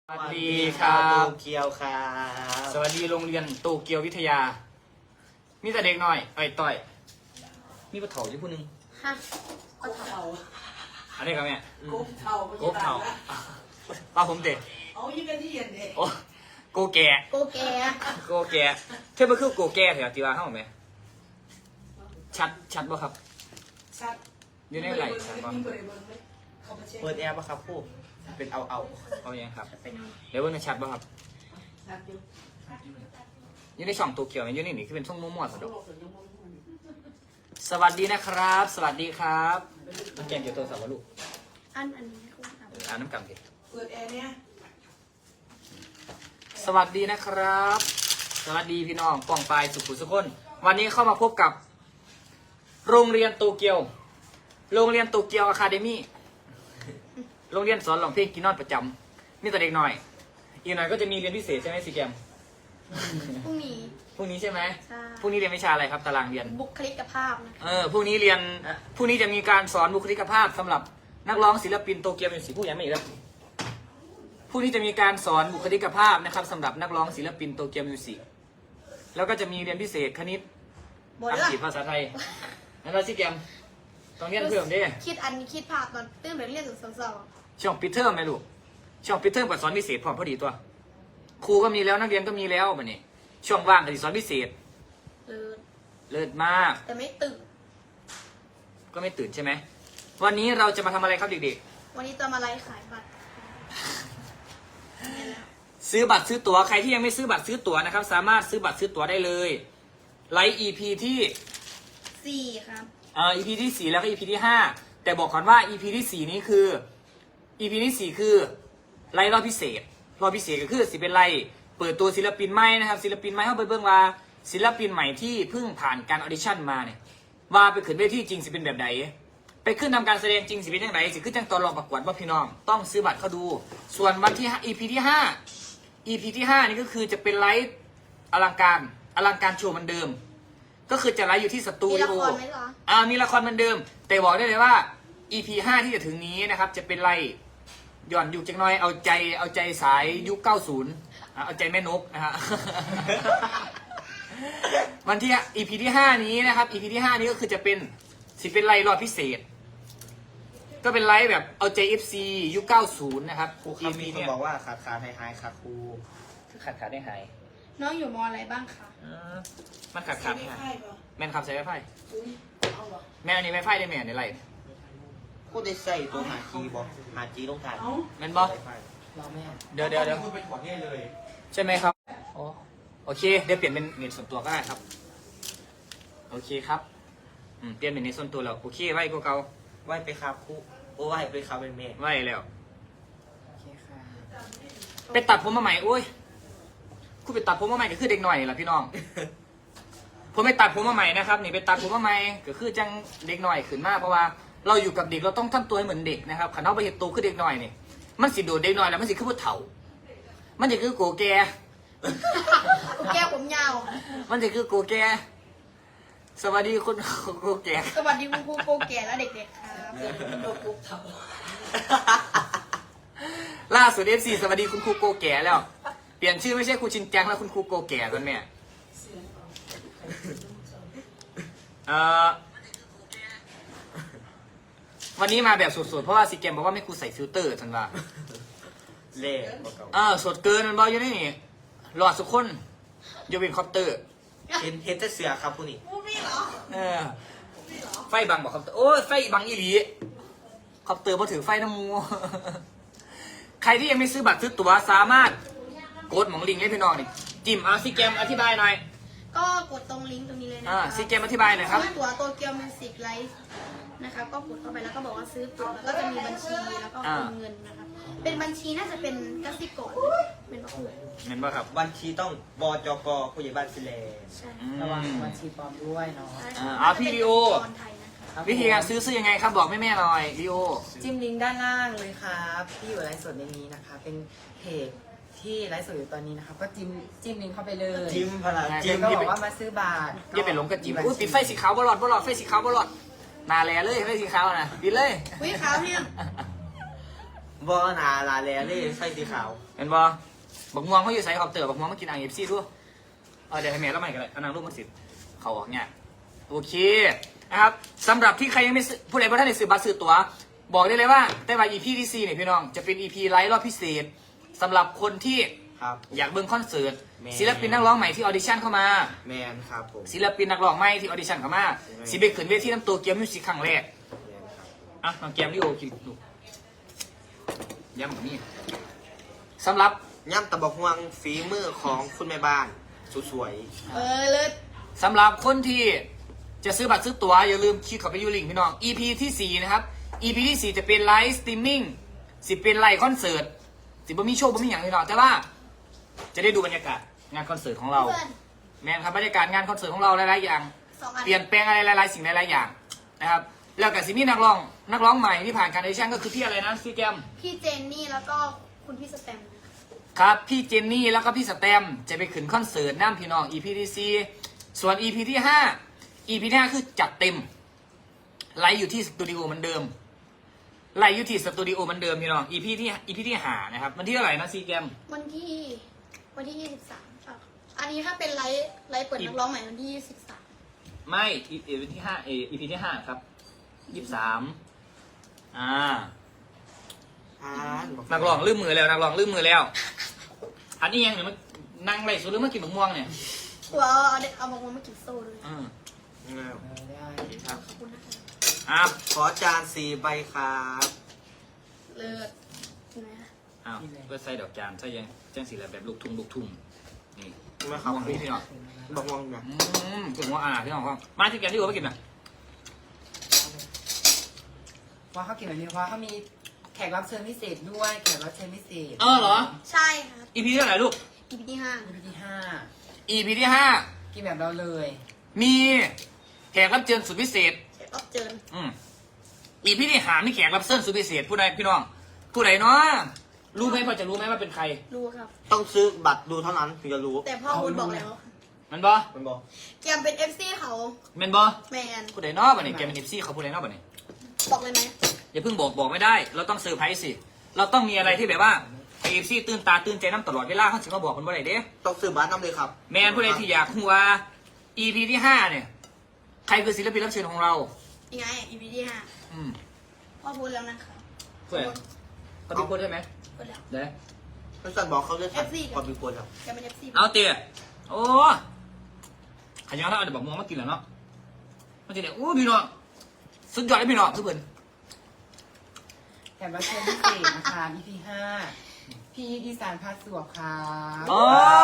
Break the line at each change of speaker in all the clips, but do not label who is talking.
สวัสดีครับ
โตเกียวครับ
สวัสดีโรงเรียนโตเกียววิทยา มีแต่เด็กหน่อยต่อย มีปะเถาอยู่ผู้หนึง
ฮะก็เท่า
อันนี้ครับแม่
กบเท่า
โกเถาป้าผมเด็ก
เอายี่เป็นที่เย็นเด็ก
โอ้โกแก่
โกแก
โกแก่เท่ามันคือโกแก่เหรอตีว่าเข้าไหมชัดบ่ครับ
ชัด
อยู่ในไหลชัดบ่
เปิดแอร์ปะครับผู้เป็นเอา
เอาอย่างครับ
เป็น
เดี๋ยวเบิ่งในชัดบ่ครับ
ชัดอยู่
อยู่ในช่องโตเกียวอยู่นี่คือเป็นช่องมั่วๆสะดวกสวัสดีนะครับ สวัสดีครับน้ำแกงเกี่ยวตัวสาวลูก
อันนี้ไม่คุ้มครับ
อ่านน้ำกำดิ
เปิดแอร์เนี่ย
สวัสดีนะครับ สวัสดีพี่น้องป่องปลายสุขุสุขคนวันนี้เข้ามาพบกับ โรงเรียนโตเกียว โรงเรียนโตเกียวอะคาเดมี่ โรงเรียนสอนร้องเพลงกินนอนประจำมีแต่เด็กหน่อย อีกหน่อยก็จะมีเรียนพิเศษใช่ไหมซีแกม
พรุ่งนี้
พรุ่งนี้ใช่ไหม
ใช่
พรุ่งนี้เรียนวิชาอะไรครับตารางเรียน
บุคลิกภาพนะ
พรุ่งนี้เรียนพรุ่งนี้จะมีการสอนบุคลิกภาพสำหรับนักร้องศิลปินโตเกียวมิวสิกผู้ยังไม่อีกแล้วพรุ่งนี้จะมีการสอนบุคลิกภาพนะครับสำหรับนักร้องศิลปินโตเกียวมิวสิกแล้วก็จะมีเรียนพิเศษคณิต
บน
อัง
ละ
กฤษภาษาไทยนั่นเราซีแกมต้องเรียนเพิ่มเด้
คิดภาพตอนตื่นไปเรียนถึงสอง
ช่วงปิดเทอมไหมลูกช่วงปิดเทอมกับสอนพิเศษพร้อมพอดีตัว ครูก็มีแล้วนักเรียนก็มีแล้วบัดนี้ช่วงว่างก็สิสอนพิเศษ
เออ
เลิศมาก
แต่ไม่ตื่น
ก็ไม่ตื่นใช่ไหมวันนี้เราจะมาทำอะไรครับเด็ก
วันนี้จะมาไลฟ์ขายบัตร
ๆซื้อบัตรซื้อตั๋วใครที่ยังไม่ซื้อบัตรซื้อตั๋วนะครับ สามารถซื้อบัตรซื้อตั๋วได้เลยไลฟ์ EP ที่
4 ครับ
EP ที่ 4 แล้วก็ EP ที่ 5 แต่บอกก่อนว่า EP ที่ 4 นี้คือ EP ที่ 4 คือไลฟ์รอบพิเศษรอบพิเศษก็คือสิเป็นไลฟ์เปิดตัวศิลปินใหม่นะครับศิลปินใหม่เข้าไปเบิ่งว่าศิลปินใหม่ที่เพิ่งผ่านการออดิชั่นมาเนี่ยว่าไปขึ้นเวทีจริงสิเป็นแบบไหนไปขึ้นทำการแสดงจริงสิเป็นยังไงสิขึ้นจังตอนรองประกวดว่าพี่น้องต้องซื้อบัตรเข้าดู ส่วนวันที่ EP ที่ 5 EP ที่ 5 นี่ก็คือจะเป็นไลฟ์อลังการโชว์เหมือนเดิม ก็คือจะไลฟ์อยู่ที่สตู
มี
ดิ
ละ
โอ
ครไหมเหรอ
มีละครเหมือนเดิม แต่บอกได้เลยว่า EP 5 ที่จะถึงนี้นะครับ จะเป็นไล่ย่อนยุคจักหน้อยเอาใจสายยุค 90เอาใจแม่นกนะฮะ วันที่ EP ที่ 5 นี้นะครับ EP ที่ 5 นี้ก็คือจะเป็นเป็นไล่รอบพิเศษ ก็เป็นไลฟ์แบบเอาใจ FC ยุค 90 นะครับ
ครูครับมีคน
เนี่ย
บอกว่าขาดหายค่ะครู
คือขาดได้หาย
น้องอยู่มอะไรบ้างคะ
มันขาด
ไม่
หาย
ใช่ป่ะ
แม่นขับใช้ไฟฟ้า
เอาเหรอ
แม่อันนี้ไฟฟ้าได้แม่ในไร
พูดได้ใส่ตัวหาจีบอกหาจีลงทาน
เอา
แม่นบอ
เราแม่
เดี๋ยว
คุณไปถอดเนี่ยเลย
ใช่ไหมครับโอเค เดี๋ยวเปลี่ยนเป็นเน็ตส่วนตัวก็ได้ครับ โอเคครับเปลี่ยนเป็นเน็ตส่วนตัวแล้ว โอเค ไว้ก็เก่า
ไหวไปครับครูโอ้ไหวไปครับเป็นเมย์
ไว้แล้ว
โอเคค่ะ
ไปตัดผมมาใหม่ โอ้ยคุณไปตัดผมมาใหม่ก็คือเด็กหน่อยแหละพี่น้อง ผมไปตัดผมมาใหม่นะครับ นี่ไปตัดผมมาใหม่ก็คือจังเด็กหน่อยขึ้นมากเพราะว่าเราอยู่กับเด็กเราต้องทำตัวให้เหมือนเด็กนะครับขันเอาไปเห็นโตขึ้นเด็กหน่อยนี่มันสิโดดเด็กหน่อยแล้วมันสิขึ้นผู้เฒ่า มันจะคือโกแก
แก้วผมยาว
มันจะคือโกแก สวัสดีคุณโกแก
สวัสดีคุณครูโกแก่และเด็กๆครับ
ตัวกบเท่า
ล่าสุด FC สวัสดีคุณครูโกแก่แล้ว เปลี่ยนชื่อไม่ใช่ครูชินจังแล้วคุณครูโกแก่ตอนเนี้ยวันนี้มาแบบสดๆเพราะว่าซีเกมบอกว่าไม่ครูใส่ฟิลเตอร์ทันว่า
เล่บอกเก่า
สดเกินมันบอกอยู่นี่หลอดสุกคนยกเว้นคอปเตอร์
เห็นแต่เสือครับผู้นี้
พูดไม่เหรอ
ไฟบังบอกคอปเตอร์โอ้ยไฟบังอีหลีคอปเตอร์พอถือไฟน้ำมู ใครที่ยังไม่ซื้อบัตรซื้อตั๋วสามารถกดหมองลิงก์ให้พี่น้องนี่จิ้มซีเกมอธิบายหน่อย
ก็กดตรงลิงก์ตรงนี้เลยนะ
ซีเกมอธิบายหน่อยครับ
ซื้อตั๋วโตเกียวมิวสิกไลฟ์นะคะก็กดเข้าไปแล้วก็บอกว่าซื้อตั๋วแล้วก็จะมีบัญชีแล้วก็โอนเงินนะคะเป็นบัญชีน่าจะเป็นกสิกรเป็นประคุ
เห็นป่ะครับ
วันทีต้องบจกผู้ใหญ่บ้านฟิเลน
ใช่
ระวังบัญชีปลอมด้วยเนาะ
พี่ลีโอ
ไทยนะคะ
วิธีการซื้อยังไงครับบอกแม่ๆหน่อยลีโอ
จิ้มลิงก์ด้านล่างเลยครับที่อยู่ไลฟ์สดในนี้นะคะ เป็นเพจที่ไลฟ์สดอยู่ตอนนี้นะคะก็จิ้มลิงก์เข้าไปเลย
จิ้มพลัง
จิ้
จิ้
ม
ม
ก็บอกว่ามาซื้อบัตร
อย่าไปหลงกระจิบอุ้ยปิดไฟสีขาวบลอดไฟสีขาวบลอดนาแลเลยไฟสีขาวนะปิดเลย
วิขาวเนี่ย
บ
บ่หนาลาแลเลยใส่สีขาว
เห็นบ่บักม่วงเขาอยู่ใส่คอปเตอร์บักม่วงมากินIFCด้วยเดี๋ยวให้แม่แล้วใหม่กันเลยเอานางรูปมาสิเขาออกเนี่ยโอเคนะครับสำหรับที่ใครยังไม่ซื้อผู้ใดบ่ท่านได้ซื้อบัตรซื้อตั๋วบอกได้เลยว่าแต่ว่า EP ที่4เนี่ยพี่น้องจะเป็น EP ไลฟ์รอบพิเศษสำหรับคนที่
ครับ
อยากเบิ่งคอนเสิร์ต
แม่
ศิลปินนักร้องใหม่ที่ออดิชั่นเข้ามา
แมนครับผม
ศิลปินนักร้องใหม่ที่ออดิชั่นเข้ามาสิไปขึ้นเวทีน้ำตัวเกียร์มิวสิกครั้งแรก
แมนครับ
อ่ะน้องแกมดิโอคิดดูย้ำแบบนี้สำหรับ
ย่ำตะบอกฮวงฝีมือของคุณแม่บ้านสวย
เลิศ
สำหรับคนที่จะซื้อบัตรซื้อตั๋วอย่าลืมคลิกเข้าไปยูลิงก์พี่น้อง EP ที่ 4 นะครับ EP ที่ 4 จะเป็นไลฟ์สตรีมมิ่งสิเป็นไลฟ์คอนเสิร์ตสิบ่มีโชว์บ่มีอย่างพี่น้องแต่ว่าจะได้ดูบรรยากาศงานคอนเสิร์ตของเรา
เพื่อน
แม่นครับบรรยากาศงานคอนเสิร์ตของเราหลายๆอย่าง
2 อัน
เปลี่ยนแปลงอะไรหลายๆสิ่งหลายๆอย่างนะครับแล้วกับซิมี่นักร้องใหม่ที่ผ่านการออดิชั่นก็คือพี่อะไรนะพี่แกม
พี่เจนนี่แล้วก็คุณพี่สแตมป์
ครับพี่เจนนี่แล้วก็พี่สแตมจะไปขึ้นคอนเสิร์ตน้ำพี่น้อง EP ที่ 4 ส่วน EP ที่ 5 EP ที่ 5 คือจัดเต็มไลฟ์อยู่ที่สตูดิโอเหมือนเดิมไลฟ์อยู่ที่สตูดิโอเหมือนเดิมพี่น้อง EP ที่5นะครับวันที่เท่าไหร่นะซีแกม
วันที่ 23ค่ะอันนี้ถ้าเป็นไลฟ์เปิดนักร้องใหม่วันที่23
ไม่วันที่5 EP ที่ 5 ครับ23
ๆ
นักร้องลืมมือแล้วนักร้องลืมมือแล้ว อันนี้ยังเนี่ยมันนั่งไล่สุดหรือมากินมะม่วงเนี่ย
ตัวเอาบอกว่ามากินโซ่ด้วย
อืม
ได้
ขอบคุณนะคะ
อ่ะ
ขอจาน4 ใบครับ
เลิศเห็นไหมคะ
อ้าวเพื่อใส่ดอกจานใส่ยังจังสีแบบลูกทุ่งนี่
ไม่ครับ
ม่วงนี่พี่น้อง
บอกฮวงนะ
ถึงว่าพี่น้องครับมาที่แกมที่หัวไปกินนะ
ว่าเขากินแบบนี้เพราะเขามีแขกรับเชิญพิเศษด้วยแขกรับเชิญพิเศษ
เหรอ
ใช่ครับ
EP เท่าไหร่ลูก
EP ที่
EP ที่
EP ที่
5กินแบบเราเลย
5มีแขกรับเชิญสุดพิเศษ
5เช็คอัพเจิญ
EP ที่5มีแขกรับเชิญสุดพิเศษผู้ใดพี่น้องผู้ใดเนาะรู้ไหมพอจะรู้ไหมว่าเป็นใคร
รู้ครับ
ต้องซื้อบัตรดูเท่านั้นถึงจะรู้
แต่พ่อคุณบอกแล้ว
มันบอ
มันบอก
แกมเป็น FC เขา
แมนบอ
แมน
ผู้ใดเนาะบัดนี้แกเป็น FC เขาผู้ใดเนาะบัดนี้
บอกเลยไหม
อย่าเพิ่งบอกไม่ได้ เราต้องเซอร์ไพรส์สิ เราต้องมีอะไรที่แบบว่าไอเอฟซีตื่นตาตื่นใจน้ำตลอดเวลาเขาถึงมาบอกคนว่าไหนเด้
ต้องซื้อบัตรน้ำเลยครับ
แมนผู้ใดที่อยากหัว EP ที่ 5 เนี่ย ใครคือศิลปินรับเชิญของเรา
ยังไง EP ที่
อืม
5พ่อพูดแล้วนะคะ
ผู้ใดเขาเป็นคนใช่ไหม
พูดแล้ว
เดี๋ยว
ท่านสั่นบอกเขาเลยทัน
FC
ก่อนมีคนแล้ว
แกเป็น FC
เอาเตี๋ยโอ้ขยันแล้วเอาเดี๋ยวบอกมองมากินแล้วเนาะมันจะเนี่ยโอ้พี่น้องสุดยอดเลยพี่น้องทุกคน
แขกรับเชิญพิเศษนะคะ EP 5พี่ดีสานพาสวบครับ
โอ้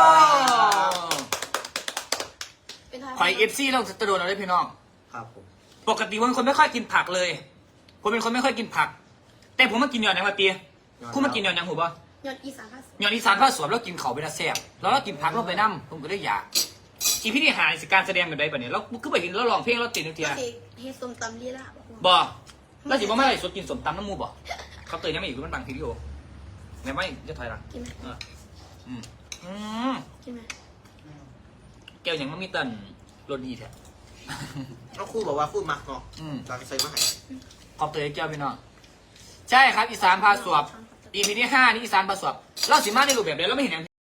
เป็นทาง
ขอเอฟซีเราจะโดนเอาได้พี่น้อง
ครับผม
ปกติผมเป็นคนไม่ค่อยกินผักเลย ผมเป็นคนไม่ค่อยกินผัก แต่ผมมากินยอดยังมาเตียคุณมากินยอดยังหูป่ะ
ยอดอีสานภาษ
ยอดอีสานผ้าสวมแล้วกินเขาไปนะแซ่บแล้วก็กินผักลงไปน้ำผมก็ได้อยากอีพี่นี่หายสิการแสดงแบบใดปะเนี่ยแล้วคือไปกินแล้วลองเพลงแล้วติดนึกเทีย
ก็เฮส้มตำลีลาบอกว่า
บ่แล้วสิบ่ไม่ได้สดกินสมตำน้ำมูบ่เขาเตือนยังไม่อยู่มันบางทีโอแม่ไม่จะถอยหลัง
กินไหม
อืม
กินไหม
แก้วยังไม่มีตันรสดีแท้
แล้วครู่บอกว่าครู่มักเนาะ
อืม
ตากใส่มาให้
ขอบเตยแก้วพี่น้องใช่ครับอีสานพาสวบ EP ที่ 5 นี่อีสานพาสวบเราสิมาในรูปแบบเดียวเราไม่เห็นอย่าง